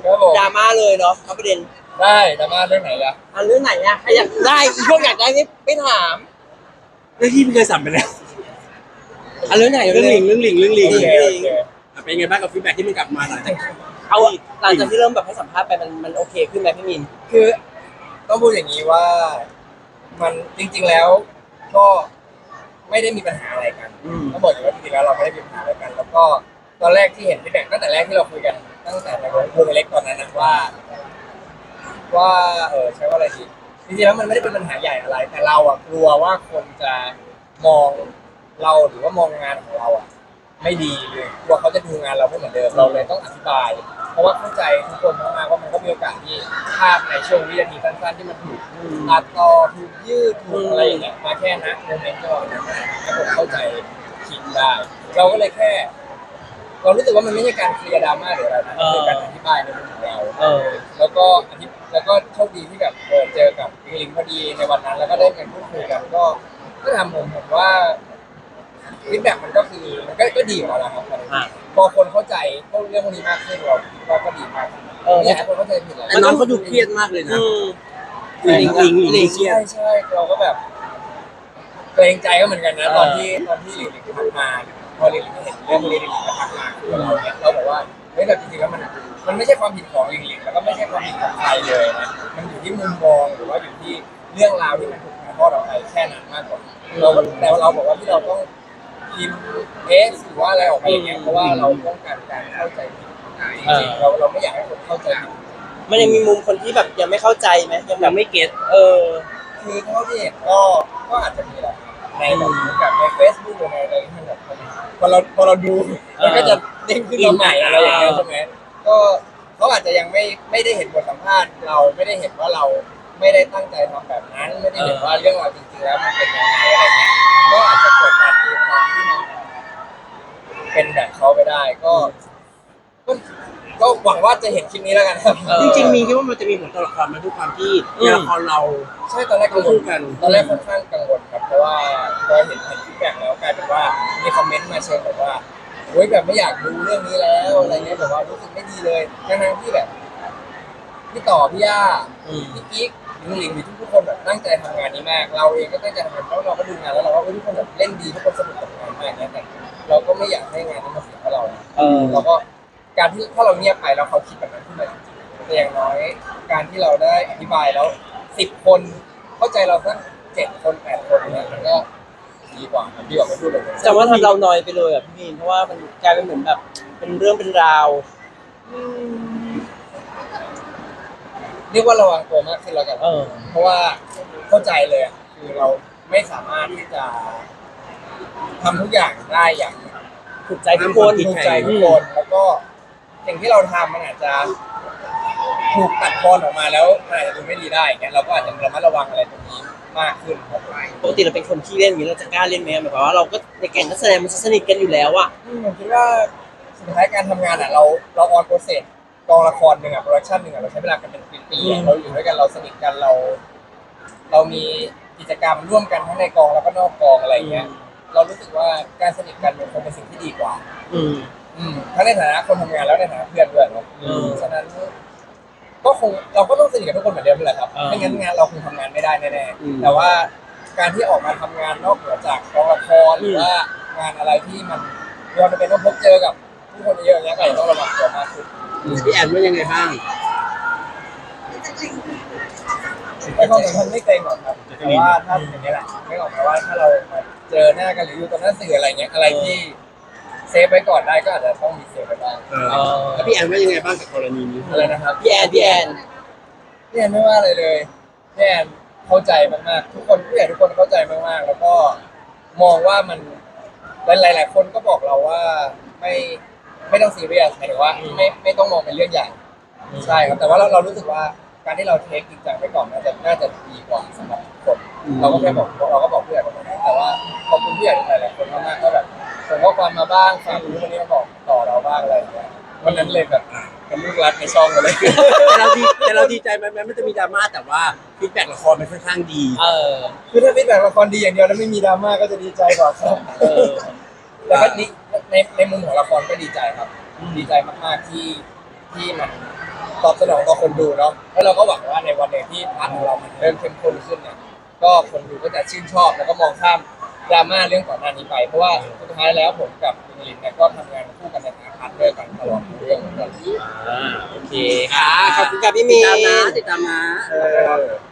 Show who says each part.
Speaker 1: ครับผม
Speaker 2: ดราม่าเลยเนาะเอาประเด็น
Speaker 1: ได้ดราม่าเรื่องไหนล่ะ
Speaker 2: เรื่องไหนอะใครอยากได้พวกอยากได้ไม่ถาม
Speaker 3: เรื่องที่พี่เคยสั่งไปแล้ว
Speaker 2: เรื่องไหน
Speaker 3: เรื่องหลิง
Speaker 1: โอเคโอเค
Speaker 3: เป็นไงบ้างกับฟีดแบ็กที่มันกลับมาหลังจาก
Speaker 2: เอาหลังจากที่เริ่มแบบให้สัมภาษณ์ไปมันโอเคขึ้นไหมพี่มิน
Speaker 1: คือต้องพูดอย่างนี้ว่ามันจริงๆแล้วก็ไม่ได้มีปัญหาอะไรกันต้องบอกอย่างว่าจริงๆแล้วเราไม่ได้มีปัญหาอะไรกัน แล้วก็ตอนแรกที่เห็นที่แบ่งตั้งแต่แรกที่เราคุยกันตั้งแต่ในวงเล็กตอนนั้นนะว่าใช้ว่าอะไรดีจริงๆแล้วมันไม่ได้เป็นปัญหาใหญ่อะไร แต่เราอะกลัวว่าคนจะมองเราหรือว่ามองงานของเราอะไม่ดีเลยกลัวเขาจะดูงานเราไม่เหมือนเดิมเราเลยต้องอธิบาย เพราะว่าเข้าใจทุกคนมากๆว่ามันก็มีโอกาสที่ภาพในช่วงวินาทีสั้นๆที่มันถูกตัดต่อถูกยืดถูกอะไรอย่างเงี้ยมาแค่นะโมเมนต์ก็นั้นแล้วผมเข้าใจคิดได้เราก็เลยแค่ เรารู้สึกว่ามันไม่ใช่การเคลียร์ดราม่าหรืออะไรนะคือการอธิบายในมุมของเราแล้วก็โชคดีที่แบบเจอกับพี่ลิงพอดีในวันนั้นแล้วก็ได้ไปพูดคุยกันก็ทำผมว่าฟีดแบ็กมันก็คือมันก็ดีอยู่แล้วนะครับพอคนเข้าใจเรื่องพวกนี้มากขึ้นเราก็ดีมากไม่อยากให้คนเข้าใจผิดเลย
Speaker 3: แต่น้องเขาดูเครียดมากเลยนะหลิงเครียด
Speaker 1: ใช่เราก็แบบเกรงใจก็เหมือนกันนะตอนที่หลิงทักมาพอหลิงเห็นเรื่องพวกนี้หลิงก็ทักมาคือเราเนี่ยเราบอกว่าเฮ้ยแต่จริงๆแล้วมันไม่ใช่ความผิดของหลิงแล้วก็ไม่ใช่ความผิดของใครเลยนะมันอยู่ที่มุมมองหรือว่าอยู่ที่เรื่องราวที่มันถูกถ่ายทอดออกไปแค่นั้นมากกว่าแต่เราบอกว่าที่เราต้องพิมพ์หรือว่าอะไรออกไปอย่างเงี้ยเพราะว่าเราต้องการการเข้าใจผิดจริงๆเราไม่อยากให้คนเข้าใจผิด
Speaker 2: มันยังมีมุมคนที่แบบยังไม่เข้าใจไหมยังแบบ
Speaker 3: ไม่เก็ต
Speaker 1: คือเท่าที่เห็นก็อาจจะมีแหละในแบบใน Facebook หรือในอะไรที่มันแบบพอเราดูมันก็จะเด้งขึ้นมาใหม่อะไรอย่างเงี้ยใช่ไหมก็เขาอาจจะยังไม่ได้เห็นบทสัมภาษณ์เราไม่ได้เห็นว่าเราไม่ได้ตั้งใจทำแบบนั้นไม่ได้เห็นว่าเรื่องราวจริงๆแล้วมันเป็นยังไงอะไรเงี้ยก็อาจจะเกิดการตีความที่มันเป็นแบบเขาไปได้ก็หวังว่าจะเห็นคลิปนี้แล้วกันครับ
Speaker 3: จริงๆมีคิดว่ามันจะมีผลต่อละครมาทุกความที่ละครเรา
Speaker 1: ใช่ตอนแรกกังวลตอนแรกค่อนข้างกังวลครับเพราะว่าพอเห็นฟีดแบ็กแล้วกลายเป็นว่ามีคอมเมนต์มาเชิงแบบว่าโอ๊ยแบบไม่อยากดูเรื่องนี้แล้วอะไรเงี้ยแบบว่ารู้สึกไม่ดีเลยทั้งที่แบบพี่ต่อพี่ย่าพี่กิ๊กหลิงทุกคนแบบตั้งใจทำงานนี้มากเราเองก็ตั้งใจทำงานเพราะเราก็ดูงานแล้วเราก็ทุกคนแบบเล่นดีทุกคนสนุกกับงานมากเนี่ยแต่เราก็ไม่อยากให้งานนั้นมาเสียเพราะเราเราก็การที่ถ้าเราเงียบไปแล้วเขาคิดแบบนั้นขึ้นมาจริงๆแต่อย่างน้อยการที่เราได้อธิบายแล้ว10 คนเข้าใจเราสัก7 คน8 คนเนี่ยมันก็ดีกว่าดีกว่าไม่พูดเลย
Speaker 2: แต่ว่าทำเรานอยไปเลยอ่ะพี่มินเพราะว่ามันกลายเป็นเหมือนแบบเป็นเรื่องเป็นราว
Speaker 1: เรียกว่าระวังตัวมากขึ้นแล้วกันเพราะว่าเข้าใจเลยคือเราไม่สามารถที่จะทำทุกอย่างได้อย่าง
Speaker 2: ถูกใจทุกคน
Speaker 1: ถูกใจทุกคนแล้วก็สิ่งที่เราทำมันอาจจะถูกตัดตอนออกมาแล้วมันอาจจะดูไม่ดีได้เงี้ยเราก็อาจจะระมัดระวังอะไรตรงนี้มากขึ้นครับ
Speaker 2: ปกติเราเป็นคนที่เล่นอย่างนี้เราจะกล้าเล่นไหมหมายความว่าเราก็ในแก๊งนักแสดงมันสนิทกันอยู่แล้วอ่ะ
Speaker 1: ผมคิดว่าสุดท้ายการทำงานเราออนโปรเซสกองละครหนึ่งโปรดักชั่นหนึ่งเราใช้เวลากันเป็นปีๆเราอยู่ด้วยกันเราสนิทกันเรามีกิจกรรมร่วมกันทั้งในกองแล้วก็นอกกองอะไรเงี้ยเรารู้สึกว่าการสนิทกันมันคงเป็นสิ่งที่ดีกว่าทั้งในฐานะคนทำงานแล้วในฐานะเพื่อนด้วยเนาะฉะนั้นก็คงเราก็ต้องสนิทกับทุกคนเหมือนเดิมแหละครับไม่งั้นงานเราคงทำงานไม่ได้แน่ๆแต่ว่าการที่ออกมาทำงานนอกเหนือจากกองละครหรือว่างานอะไรที่มันเราจะเป็นต้องพบเจอกับผู้คนเยอะอย่างเงี้ยก็ต้องระวังตัวมากขึ้น
Speaker 3: พี่แอนว่ายังไงบ้าง
Speaker 1: ไอ้ความสัมพันธ์ไม่เกรงหรอกครับแต่ว่าถ้าอย่างนี้แหละไม่ออกมาว่าถ้าเรามาเจอหน้ากันหรืออยู่ตรงหน้าสื่ออะไรเงี้ยอะไรที่เซฟไว้ก่อนได้ก็อาจจะต้องมีเซฟไว้บ้าง
Speaker 3: แล้วพี่แอนว่ายังไงบ้างกับกรณีนี้
Speaker 1: อะไรนะครับ
Speaker 2: พี่แอน
Speaker 1: ไม่ว่าอะไรเลยพี่แอนเข้าใจมากๆทุกคนผู้ใหญ่ทุกคนเข้าใจมากๆแล้วก็มองว่ามันหลายๆคนก็บอกเราว่าไม่ต้องซีเรียสหมายถึงว่าไม่ต้องมองเป็นเรื่องใหญ่ใช่ครับแต่ว่าเรารู้สึกว่าการที่เราเทคจริงจังไปก่อนน่าจะดีกว่าสำหรับคนเราก็แค่บอกเราก็บอกผู้ใหญ่ประมาณนั้นแต่ว่าขอบคุณผู้ใหญ่หลายๆคนมากๆก็แบบส่งข้อความมาบ้างฝากรู้วันนี้มาบอกต่อเราบ้างอะไรอย่างเงี้ยวันนั้นเลยแบบเป็นลูกรักในช่องเลย
Speaker 3: แต่เราดีใจไหมมันจะมีดราม่าแต่ว่าฟีดแบ็กละครมันค่อนข้างดี
Speaker 1: คือถ้าฟีดแบ็กละครดีอย่างเดียวแล้วไม่มีดราม่าก็จะดีใจกว่าครับแต่ก็ในมุมของละครก็ดีใจครับดีใจมากๆที่มันตอบสนองต่อคนดูเนาะแล้วเราก็หวังว่าในวันหนึ่งที่พาร์ทของเรามันเริ่มเข้มข้นขึ้นเนี่ยก็คนดูก็จะชื่นชอบแล้วก็มองข้ามดราม่าเรื่องก่อนหน้านี้ไปเพราะว่าสุดท้ายแล้วผมกับคุณลินเนี่ยก็ทำงานคู่กันในฐานะพาร์ทเนอร์กันตลอดเรื่องเหมือนกัน
Speaker 2: โอเคค่ะขอบคุณครับพี่มี
Speaker 3: ติดตามนะ
Speaker 1: เออ